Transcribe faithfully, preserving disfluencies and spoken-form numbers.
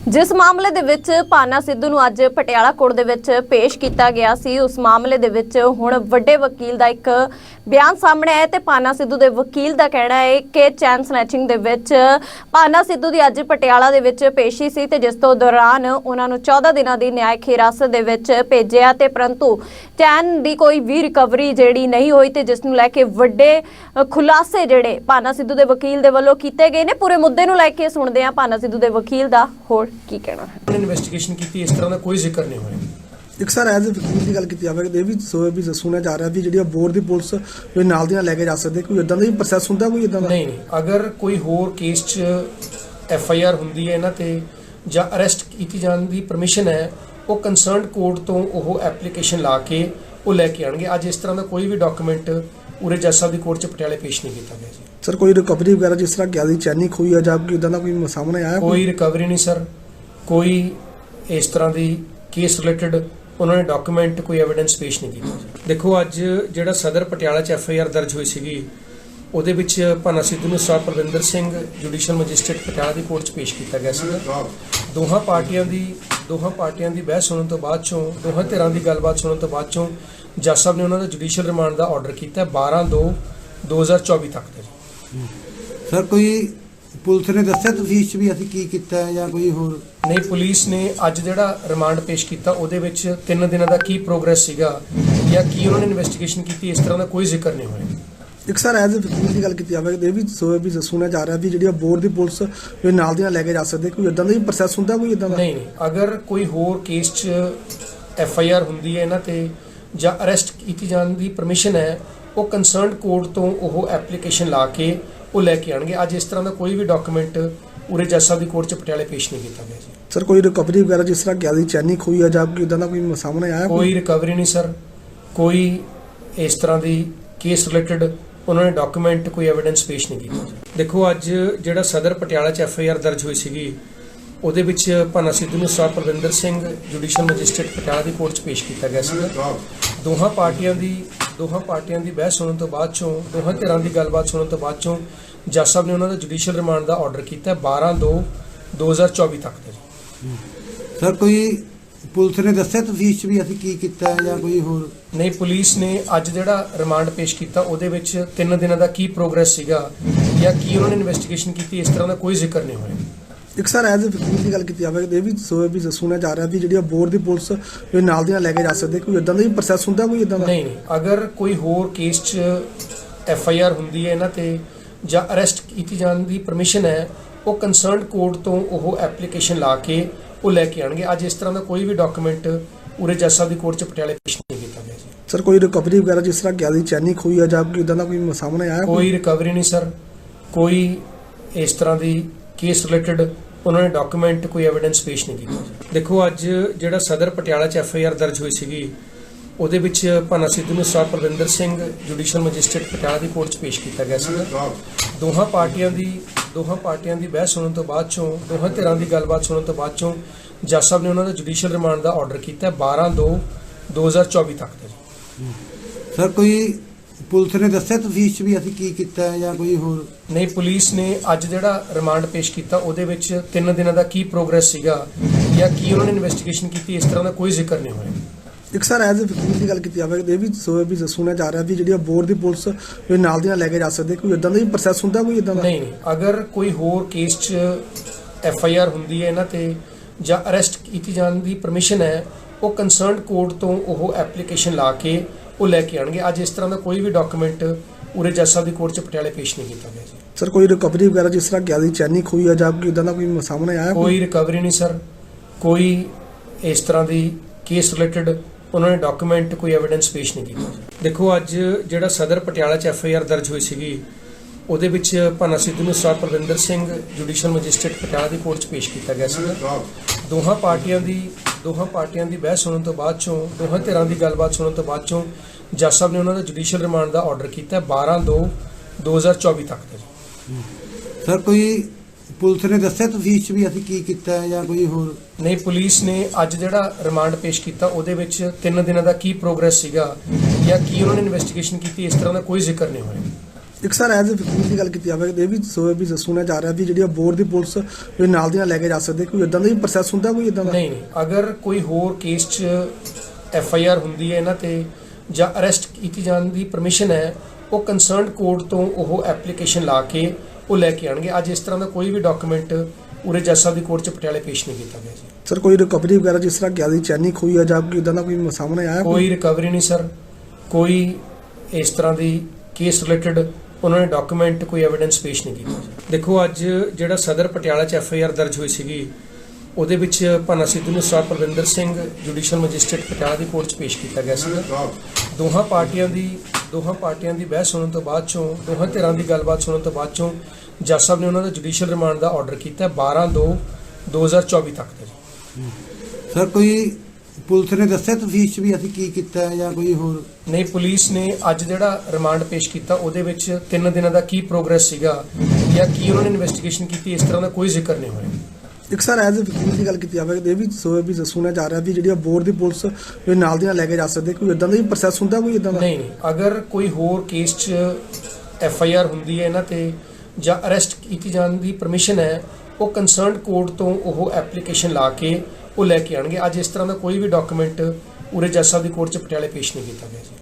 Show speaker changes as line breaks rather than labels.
जिस मामले दे विच भाना सिद्धू नूं अज पटियाला कोर्ट दे विच पेश किया गया सी, उस मामले दे विच हुण वड्डे वकील दा एक बयान सामने आया ते भाना सिद्धू दे वकील दा कहना है कि चैन स्नैचिंग दे विच भाना सिद्धू दी अज पटियाला दे विच पेशी सी ते जिस तो दौरान उन्हां नूं चौदह दिनां दी न्यायिक हिरासत दे विच भेजिया ते परंतु चैन दी कोई भी रिकवरी जिहड़ी नहीं होई ते जिस नूं लैके वड्डे खुलासे जिहड़े भाना सिद्धू दे वकील दे वल्लों कीते गए ने। पूरे मुद्दे नूं लैके सुणदे हां भाना सिद्धू दे वकील दा होर की कहना है।
इन्वेस्टिगेशन की इस तरह का कोई जिक्र नहीं होया।
एक सर एज ए वकील की गल की जाए तो भी सो भी सुनया जा रहा भी जी बोर्ड की पुलिस कोई नाल दी नाल लेके जा सकते, कोई इदां दा भी प्रोसैस हुंदा कोई इदां दा?
नहीं नहीं, अगर कोई होर केस च एफ आई आर हुंदी है इन्हां ते जां अरेस्ट की जाने की परमिशन है, वो कंसर्नड कोर्ट तो वो एप्लीकेशन ला के वो लैके आएंगे। अज इस तरह का कोई भी डॉक्यूमेंट पूरे जज साहब की कोर्ट च पटियाले पेश नहीं किया गया जी।
सर कोई रिकवरी वगैरह जिस तरह क्या चैनी खोई है जां कोई इदां दा कोई सामने आया?
कोई रिकवरी नहीं सर, कोई इस तरह की केस रिलेटेड उन्होंने डॉक्यूमेंट कोई एविडेंस पेश नहीं किया। देखो अज जिहड़ा सदर पटियाला च एफ आई आर दर्ज हुई सी, ਉਹਦੇ ਵਿੱਚ ਭਾਨਾ ਸਿੱਧੂ ਨੂੰ sir Parvinder Singh judicial magistrate Patiala ਦੀ ਕੋਰਟ 'ਚ ਪੇਸ਼ ਕੀਤਾ ਗਿਆ ਸੀ। ਦੋਹਾਂ ਪਾਰਟੀਆਂ ਦੀ ਦੋਹਾਂ ਪਾਰਟੀਆਂ ਦੀ ਬਹਿਸ ਸੁਣਨ ਤੋਂ ਬਾਅਦ ਚੋਂ ਦੋਹਾਂ ਧਿਰਾਂ ਦੀ ਗੱਲਬਾਤ ਸੁਣਨ ਤੋਂ ਬਾਅਦ ਚੋਂ ਜੱਜ ਸਾਹਿਬ ਨੇ ਉਹਨਾਂ ਦਾ ਜੁਡੀਸ਼ੀਅਲ ਰਿਮਾਂਡ ਦਾ ਆਰਡਰ ਕੀਤਾ ਬਾਰਾਂ ਦੋ ਦੋ ਹਜ਼ਾਰ ਚੌਵੀ ਤੱਕ ਦਾ ਜੀ।
ਸਰ ਕੋਈ ਪੁਲਿਸ ਨੇ ਦੱਸਿਆ ਤਫਤੀਸ਼ ਵੀ ਅਸੀਂ ਕੀ ਕੀਤਾ ਹੈ ਜਾਂ ਕੋਈ ਹੋਰ?
ਨਹੀਂ, ਪੁਲਿਸ ਨੇ ਅੱਜ ਜਿਹੜਾ ਰਿਮਾਂਡ ਪੇਸ਼ ਕੀਤਾ ਉਹਦੇ ਵਿੱਚ ਤਿੰਨ ਦਿਨਾਂ ਦਾ ਕੀ ਪ੍ਰੋਗਰੈਸ ਸੀਗਾ ਜਾਂ ਕੀ ਉਹਨਾਂ ਨੇ ਇਨਵੈਸਟੀਗੇਸ਼ਨ ਕੀਤੀ, ਇਸ ਤਰ੍ਹਾਂ ਦਾ ਕੋਈ ਜ਼ਿਕਰ ਨਹੀਂ ਹੋਇਆ।
एक सर एज ए वकील की गल की जाए तो भी सो भी सुनया जा रहा भी जी बोर्ड की पुलिस कोई नाल दी नाल लेके जा सकते, कोई इदां दा भी प्रोसैस हुंदा कोई इदां दा?
नहीं नहीं, अगर कोई होर केस च एफ आई आर हुंदी है इन्हां ते जां अरेस्ट की जाने की परमिशन है, वो कंसर्नड कोर्ट तो वो एप्लीकेशन ला के वो लैके आएंगे। अज इस तरह का कोई भी डॉक्यूमेंट पूरे जज साहब की कोर्ट च पटियाले पेश नहीं किया गया जी।
सर कोई रिकवरी वगैरह जिस तरह क्या चैनी खोई है जां कोई इदां दा कोई सामने आया?
कोई रिकवरी नहीं सर, कोई इस तरह की केस रिलेटेड उन्होंने डॉक्यूमेंट कोई एविडेंस पेश नहीं किया। देखो अज जिहड़ा सदर पटियाला च एफ आई आर दर्ज हुई सी, ਉਹਦੇ ਵਿੱਚ ਭਾਨਾ ਸਿੱਧੂ ਨੂੰ sir Parvinder Singh judicial magistrate Patiala ਦੀ ਕੋਰਟ 'ਚ ਪੇਸ਼ ਕੀਤਾ ਗਿਆ ਸੀ। ਦੋਹਾਂ ਪਾਰਟੀਆਂ ਦੀ ਦੋਹਾਂ ਪਾਰਟੀਆਂ ਦੀ ਬਹਿਸ ਸੁਣਨ ਤੋਂ ਬਾਅਦ ਚੋਂ ਦੋਹਾਂ ਧਿਰਾਂ ਦੀ ਗੱਲਬਾਤ ਸੁਣਨ ਤੋਂ ਬਾਅਦ ਚੋਂ ਜੱਜ ਸਾਹਿਬ ਨੇ ਉਹਨਾਂ ਦਾ ਜੁਡੀਸ਼ੀਅਲ ਰਿਮਾਂਡ ਦਾ ਆਰਡਰ ਕੀਤਾ ਬਾਰਾਂ ਦੋ ਦੋ ਹਜ਼ਾਰ ਚੌਵੀ ਤੱਕ ਦਾ ਜੀ।
ਸਰ ਕੋਈ ਪੁਲਿਸ ਨੇ ਦੱਸਿਆ ਤਫਤੀਸ਼ ਵੀ ਅਸੀਂ ਕੀ ਕੀਤਾ ਹੈ ਜਾਂ ਕੋਈ ਹੋਰ?
ਨਹੀਂ, ਪੁਲਿਸ ਨੇ ਅੱਜ ਜਿਹੜਾ ਰਿਮਾਂਡ ਪੇਸ਼ ਕੀਤਾ ਉਹਦੇ ਵਿੱਚ ਤਿੰਨ ਦਿਨਾਂ ਦਾ ਕੀ ਪ੍ਰੋਗਰੈਸ ਸੀਗਾ ਜਾਂ ਕੀ ਉਹਨਾਂ ਨੇ ਇਨਵੈਸਟੀਗੇਸ਼ਨ ਕੀਤੀ, ਇਸ ਤਰ੍ਹਾਂ ਦਾ ਕੋਈ ਜ਼ਿਕਰ ਨਹੀਂ ਹੋਇਆ।
एक सर एज ए वकील की गल की जाए तो भी सो भी सुनया जा रहा भी जी बोर्ड की पुलिस कोई नाल दी नाल लेके जा सकते, कोई इदां दा भी प्रोसैस हुंदा कोई इदां दा?
नहीं नहीं, अगर कोई होर केस च एफ आई आर हुंदी है इन्हां ते जां अरेस्ट की जाने की परमिशन है, वो कंसर्नड कोर्ट तो वो एप्लीकेशन ला के वो लैके आएंगे। अज इस तरह का कोई भी डॉक्यूमेंट पूरे जज साहब की कोर्ट च पटियाले पेश नहीं किया गया जी।
सर कोई रिकवरी वगैरह जिस तरह क्या चैनी खोई है जां कोई इदां दा कोई सामने आया?
कोई रिकवरी नहीं सर, कोई इस तरह की केस रिलेटेड उन्होंने डॉक्यूमेंट कोई एविडेंस पेश नहीं किया। देखो अज जिहड़ा सदर पटियाला च एफ आई आर दर्ज हुई सी, ਉਹਦੇ ਵਿੱਚ ਭਾਨਾ ਸਿੱਧੂ ਨੂੰ sir Parvinder Singh judicial magistrate Patiala ਦੀ ਕੋਰਟ 'ਚ ਪੇਸ਼ ਕੀਤਾ ਗਿਆ ਸੀ। ਦੋਹਾਂ ਪਾਰਟੀਆਂ ਦੀ ਦੋਹਾਂ ਪਾਰਟੀਆਂ ਦੀ ਬਹਿਸ ਸੁਣਨ ਤੋਂ ਬਾਅਦ ਚੋਂ ਦੋਹਾਂ ਧਿਰਾਂ ਦੀ ਗੱਲਬਾਤ ਸੁਣਨ ਤੋਂ ਬਾਅਦ ਚੋਂ ਜੱਜ ਸਾਹਿਬ ਨੇ ਉਹਨਾਂ ਦਾ ਜੁਡੀਸ਼ੀਅਲ ਰਿਮਾਂਡ ਦਾ ਆਰਡਰ ਕੀਤਾ ਬਾਰਾਂ ਦੋ ਦੋ ਹਜ਼ਾਰ ਚੌਵੀ ਤੱਕ ਦਾ ਜੀ।
ਸਰ ਕੋਈ ਪੁਲਿਸ ਨੇ ਦੱਸਿਆ ਤਫਤੀਸ਼ ਵੀ ਅਸੀਂ ਕੀ ਕੀਤਾ ਹੈ ਜਾਂ ਕੋਈ ਹੋਰ?
ਨਹੀਂ, ਪੁਲਿਸ ਨੇ ਅੱਜ ਜਿਹੜਾ ਰਿਮਾਂਡ ਪੇਸ਼ ਕੀਤਾ ਉਹਦੇ ਵਿੱਚ ਤਿੰਨ ਦਿਨਾਂ ਦਾ ਕੀ ਪ੍ਰੋਗਰੈਸ ਸੀਗਾ ਜਾਂ ਕੀ ਉਹਨਾਂ ਨੇ ਇਨਵੈਸਟੀਗੇਸ਼ਨ ਕੀਤੀ, ਇਸ ਤਰ੍ਹਾਂ ਦਾ ਕੋਈ ਜ਼ਿਕਰ ਨਹੀਂ ਹੋਇਆ।
एक सर एज ए वकील की गल की जाए तो भी सो भी सुनया जा रहा भी जी बोर्ड की पुलिस कोई नाल दी नाल लेके जा सकते, कोई इदां दा भी प्रोसैस हुंदा कोई इदां दा?
नहीं नहीं, अगर कोई होर केस च एफ आई आर हुंदी है इन्हां ते जां अरेस्ट की जाने की परमिशन है, वो कंसर्नड कोर्ट तो वो एप्लीकेशन ला के वो लैके आएंगे। अज इस तरह का कोई भी डॉक्यूमेंट पूरे जज साहब की कोर्ट च पटियाले पेश नहीं किया गया जी।
सर कोई रिकवरी वगैरह जिस तरह क्या चैनी खोई है जां कोई इदां दा कोई सामने आया?
कोई रिकवरी नहीं सर, कोई इस तरह की केस रिलेटेड उन्होंने डॉक्यूमेंट कोई एविडेंस पेश नहीं किया। देखो अज जिहड़ा सदर पटियाला च एफ आई आर दर्ज हुई सी, ਉਹਦੇ ਵਿੱਚ ਭਾਨਾ ਸਿੱਧੂ ਨੂੰ sir Parvinder Singh judicial magistrate Patiala ਦੀ ਕੋਰਟ 'ਚ ਪੇਸ਼ ਕੀਤਾ ਗਿਆ ਸੀ। ਦੋਹਾਂ ਪਾਰਟੀਆਂ ਦੀ ਦੋਹਾਂ ਪਾਰਟੀਆਂ ਦੀ ਬਹਿਸ ਸੁਣਨ ਤੋਂ ਬਾਅਦ ਚੋਂ ਦੋਹਾਂ ਧਿਰਾਂ ਦੀ ਗੱਲਬਾਤ ਸੁਣਨ ਤੋਂ ਬਾਅਦ ਚੋਂ ਜੱਜ ਸਾਹਿਬ ਨੇ ਉਹਨਾਂ ਦਾ ਜੁਡੀਸ਼ੀਅਲ ਰਿਮਾਂਡ ਦਾ ਆਰਡਰ ਕੀਤਾ ਬਾਰਾਂ ਦੋ ਦੋ ਹਜ਼ਾਰ ਚੌਵੀ ਤੱਕ ਦਾ ਜੀ।
ਸਰ ਕੋਈ ਪੁਲਿਸ ਨੇ ਦੱਸਿਆ ਤਫਤੀਸ਼ ਵੀ ਅਸੀਂ ਕੀ ਕੀਤਾ ਹੈ ਜਾਂ ਕੋਈ ਹੋਰ?
ਨਹੀਂ, ਪੁਲਿਸ ਨੇ ਅੱਜ ਜਿਹੜਾ ਰਿਮਾਂਡ ਪੇਸ਼ ਕੀਤਾ ਉਹਦੇ ਵਿੱਚ ਤਿੰਨ ਦਿਨਾਂ ਦਾ ਕੀ ਪ੍ਰੋਗਰੈਸ ਸੀਗਾ ਜਾਂ ਕੀ ਉਹਨਾਂ ਨੇ ਇਨਵੈਸਟੀਗੇਸ਼ਨ ਕੀਤੀ, ਇਸ ਤਰ੍ਹਾਂ ਦਾ ਕੋਈ ਜ਼ਿਕਰ ਨਹੀਂ ਹੋਇਆ।
ਇੱਕ ਸਰ ਐਜ਼ ਵਕੀਲ ਦੀ ਗੱਲ ਕੀਤੀ ਜਾਵੇ ਇਹ ਵੀ ਸੋ ਵੀ ਸੁਣਿਆ ਜਾ ਰਿਹਾ ਵੀ ਜਿਹੜੀ ਬੋਰਡ ਦੀ ਪੁਲਿਸ ਵੀ ਨਾਲ ਦੀ ਨਾਲ ਲੈ ਕੇ ਜਾ ਸਕਦੇ ਕੋਈ ਇਦਾਂ ਦਾ ਵੀ ਪ੍ਰੋਸੈਸ ਹੁੰਦਾ ਕੋਈ ਇਦਾਂ ਦਾ
ਨਹੀਂ ਨਹੀਂ ਅਗਰ ਕੋਈ ਹੋਰ ਕੇਸ 'ਚ ਐਫ ਆਈ ਆਰ ਹੁੰਦੀ ਹੈ ਇਹਨਾਂ ਤੇ ਜਾਂ ਅਰੈਸਟ ਕੀਤੀ ਜਾਣ ਦੀ ਪਰਮਿਸ਼ਨ ਹੈ ਉਹ ਕੰਸਰਨਡ ਕੋਰਟ ਤੋਂ ਉਹ ਐਪਲੀਕੇਸ਼ਨ ਲਾ ਕੇ ਉਹ ਲੈ ਕੇ ਆਣਗੇ। ਅੱਜ ਇਸ ਤਰ੍ਹਾਂ ਦਾ ਕੋਈ ਵੀ ਡਾਕੂਮੈਂਟ ਉਰੇ ਜੱਜ ਸਾਹਿਬ ਦੀ ਕੋਰਟ 'ਚ ਪਟਿਆਲੇ ਪੇਸ਼ ਨਹੀਂ ਕੀਤਾ ਗਿਆ ਜੀ।
ਸਰ ਕੋਈ ਰਿਕਵਰੀ ਵਗੈਰਾ ਜਿਸ ਤਰ੍ਹਾਂ ਗਿਆ ਦੀ ਚੈਨੀ ਖੋਈ ਆ ਜਾਂ ਕੋਈ ਇਦਾਂ ਦਾ ਕੋਈ ਸਾਹਮਣੇ ਆਇਆ
ਕੋਈ ਰਿਕਵਰੀ ਨਹੀਂ ਸਰ, ਕੋਈ ਇਸ ਤਰ੍ਹਾਂ ਦੀ ਕੇਸ ਰਿਲੇਟਡ ਉਹਨਾਂ ਨੇ ਡਾਕੂਮੈਂਟ ਕੋਈ ਐਵੀਡੈਂਸ ਪੇਸ਼ ਨਹੀਂ ਕੀਤਾ। ਦੇਖੋ ਅੱਜ ਜਿਹੜਾ ਸਦਰ ਪਟਿਆਲਾ 'ਚ ਐਫ ਆਈ ਆਰ ਦਰਜ ਹੋਈ ਸੀਗੀ ਉਹਦੇ ਵਿੱਚ ਭਾਨਾ ਸਿੱਧੂ ਨੂੰ sir Parvinder Singh judicial magistrate Patiala ਦੀ ਕੋਰਟ 'ਚ ਪੇਸ਼ ਕੀਤਾ ਗਿਆ ਸੀ। ਦੋਹਾਂ ਪਾਰਟੀਆਂ ਦੀ ਦੋਹਾਂ ਪਾਰਟੀਆਂ ਦੀ ਬਹਿਸ ਸੁਣਨ ਤੋਂ ਬਾਅਦ ਚੋਂ ਦੋਹਾਂ ਧਿਰਾਂ ਦੀ ਗੱਲਬਾਤ ਸੁਣਨ ਤੋਂ ਬਾਅਦ ਚੋਂ ਜੱਜ ਸਾਹਿਬ ਨੇ ਉਹਨਾਂ ਦਾ ਜੁਡੀਸ਼ੀਅਲ ਰਿਮਾਂਡ ਦਾ ਆਰਡਰ ਕੀਤਾ ਬਾਰਾਂ ਦੋ ਦੋ ਹਜ਼ਾਰ ਚੌਵੀ ਤੱਕ ਦਾ ਜੀ।
ਸਰ ਕੋਈ ਪੁਲਿਸ ਨੇ ਦੱਸਿਆ ਤਫਤੀਸ਼ ਵੀ ਅਸੀਂ ਕੀ ਕੀਤਾ ਹੈ ਜਾਂ ਕੋਈ ਹੋਰ?
ਨਹੀਂ, ਪੁਲਿਸ ਨੇ ਅੱਜ ਜਿਹੜਾ ਰਿਮਾਂਡ ਪੇਸ਼ ਕੀਤਾ ਉਹਦੇ ਵਿੱਚ ਤਿੰਨ ਦਿਨਾਂ ਦਾ ਕੀ ਪ੍ਰੋਗਰੈਸ ਸੀਗਾ ਜਾਂ ਕੀ ਉਹਨਾਂ ਨੇ ਇਨਵੈਸਟੀਗੇਸ਼ਨ ਕੀਤੀ ਇਸ ਤਰ੍ਹਾਂ ਦਾ ਕੋਈ ਜ਼ਿਕਰ ਨਹੀਂ ਹੋਇਆ।
ਇੱਕ ਸਰ ਐਜ਼ ਵਕੀਲ ਦੀ ਗੱਲ ਕੀਤੀ ਜਾਵੇ ਇਹ ਵੀ ਸੋ ਵੀ ਸੁਣਿਆ ਜਾ ਰਿਹਾ ਵੀ ਜਿਹੜੀ ਬੋਰਡ ਦੀ ਪੁਲਿਸ ਵੀ ਨਾਲ ਦੀ ਨਾਲ ਲੈ ਕੇ ਜਾ ਸਕਦੇ ਕੋਈ ਇਦਾਂ ਦਾ ਵੀ ਪ੍ਰੋਸੈਸ ਹੁੰਦਾ ਕੋਈ ਇਦਾਂ ਦਾ
ਨਹੀਂ ਨਹੀਂ ਅਗਰ ਕੋਈ ਹੋਰ ਕੇਸ 'ਚ ਐਫ ਆਈ ਆਰ ਹੁੰਦੀ ਹੈ ਇਹਨਾਂ ਤੇ ਜਾਂ ਅਰੈਸਟ ਕੀਤੀ ਜਾਣ ਦੀ ਪਰਮਿਸ਼ਨ ਹੈ ਉਹ ਕੰਸਰਨਡ ਕੋਰਟ ਤੋਂ ਉਹ ਐਪਲੀਕੇਸ਼ਨ ਲਾ ਕੇ ਉਹ ਲੈ ਕੇ ਆਣਗੇ। ਅੱਜ ਇਸ ਤਰ੍ਹਾਂ ਦਾ ਕੋਈ ਵੀ ਡਾਕੂਮੈਂਟ ਉਰੇ ਜੱਜ ਸਾਹਿਬ ਦੀ ਕੋਰਟ 'ਚ ਪਟਿਆਲੇ ਪੇਸ਼ ਨਹੀਂ ਕੀਤਾ ਗਿਆ ਜੀ।